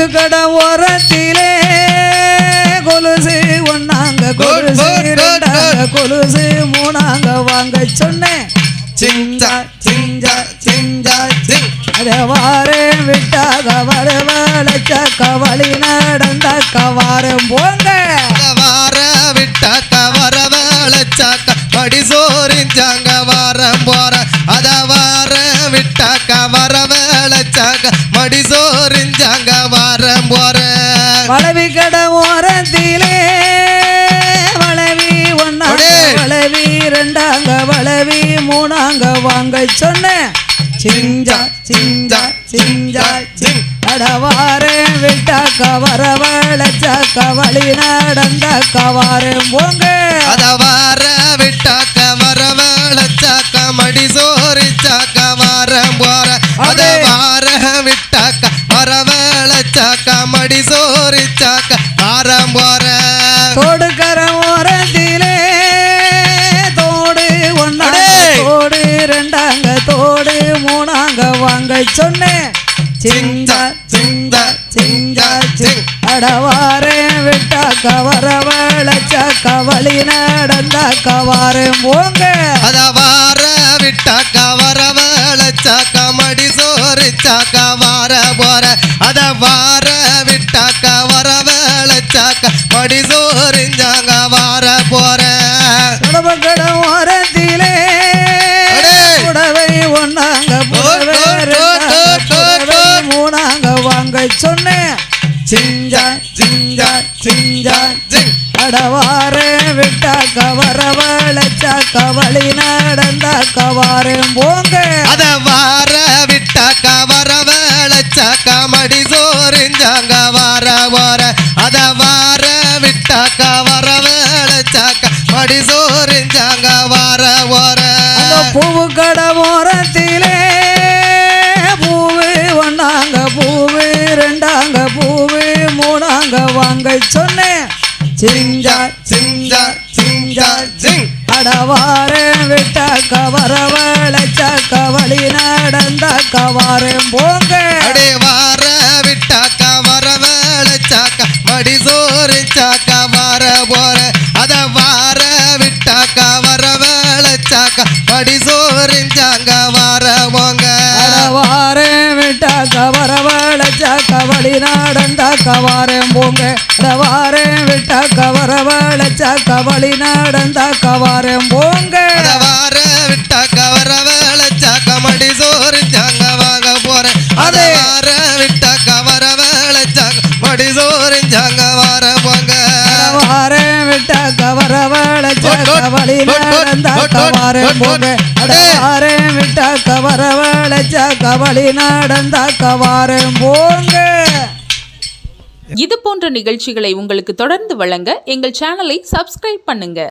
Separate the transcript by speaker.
Speaker 1: கொலுசு கடை ஓரத்திலே கொலுசு ஒன்னாங்க கொலுசு ரெண்டாங்க கொலுசு மூணாங்க வாங்க சொன்னேன் சிஞ்சா சிஞ்சா சிஞ்சா சிங் அத வாரம் விட்டாக வரவழைச்சாக்க வழி நடந்தாக்க வாரம் போங்க
Speaker 2: வார விட்டாக்க வரவழைச்சாக்க படி சோறிஞ்சாங்க வாரம் போற அத வார விட்டாக்க வரவழைச்சாக்க மடி சோறிஞ்சாங்க வாரம் போற
Speaker 1: வளவி கடை ஓரத்திலே வளவி ஒன்னாங்க வளவி ரெண்டாங்க வளவி மூணாங்க வாங்க சொன்னேன் சிஞ்சா சிஞ்சா சிஞ்சா சிங் அடவாரே விட்டாக்க வரவழைச்சாக்க வழி நடந்தாக்க வாரம் போங்க
Speaker 2: அத வார விட்டாக்க வரவழைச்சாக்க மடி சோறிச்சாக்க வாரம் போற அத வார விட்டாக்க வரவழைச்சாக்க மடி சோறிச்சாக்க வாரம் போற
Speaker 1: தோடுக்கர ஓரத்திலே தோடு ஒன்னாங்க தோடு ரெண்டாங்க தோடு மூணாங்க வாங்க சொன்னேன் சிஞ்சா சிஞ்சா சிஞ்சா சிங் அடவாரே விட்டாக்க வரவழைச்சாக்க வழி நடந்தாக்க வாரம் போங்க
Speaker 2: அத வார விட்டாக்க வரவழைச்சாக்க மடி சோறிச்சாக்க வார போற அத வார விட்டாக்க வரவழைச்சாக்க மடி சோறிஞ்சாங்க வார போற
Speaker 1: கடை ஓரத்திலே புடவை ஒன்னாங்க புடவை ரெண்டாங்க புடவை மூணாங்க வாங்க சொன்னேன் சிஞ்சா சிஞ்சா சிஞ்சா சிங் அடவாரே விட்டாக்க வரவழைச்சாக்க வழி நடந்தாக்க வாரம் போங்க
Speaker 2: அத வார விட்டாக்க வரவழைச்சாக்க மடி சோறிஞ்சாங்க வார போற அத வார விட்டாக்க வரவழைச்சாக்க மடி சோறிஞ்சாங்க வார போற
Speaker 1: பூவு கடை ஓரத்திலே பூவு ஒன்னாங்க பூவு ரெண்டாங்க பூவு மூணாங்க வாங்க சொன்னேன் சிஞ்சா சிஞ்சா சிஞ்சா சிங் அடவாரே விட்டாக்க வரவழைச்சாக்க வழி நடந்தாக்க வாரம் போங்க
Speaker 2: அடே வார விட்டாக்க வரவழைச்சாக்க மடி சோறிச்சாக்க வார போற அத வார விட்டாக்க வரவழைச்சாக்க மடி சோறிஞ்சாங்க வார போங்க
Speaker 1: அடவாரே விட்டாக்க வரவழைச்சாக்க வழி நடந்தாக்க வாரம் போங்க அடவாரே விட்டாக்க வரவழைச்சாக்க வழி நடந்தாக்க வாரம் போங்க
Speaker 2: அத வார விட்டாக்க வரவழைச்சாக்க மடி சோறிஞ்சாங்க வாங்க போற அத வார விட்டாக்க வரவழைச்சாக்க மடி சோறிஞ்சாங்க வார போங்க
Speaker 1: வாரே விட்டாக்க வரவழைச்சாக்க வழி நடந்தாக்க வாரம் போங்க அடவாரே விட்டாக்க வரவழைச்சாக்க வழி நடந்தாக்க வாரம் போங்க.
Speaker 3: இது போன்ற நிகழ்ச்சிகளை உங்களுக்கு தொடர்ந்து வழங்க எங்கள் சேனலை சப்ஸ்கிரைப் பண்ணுங்க.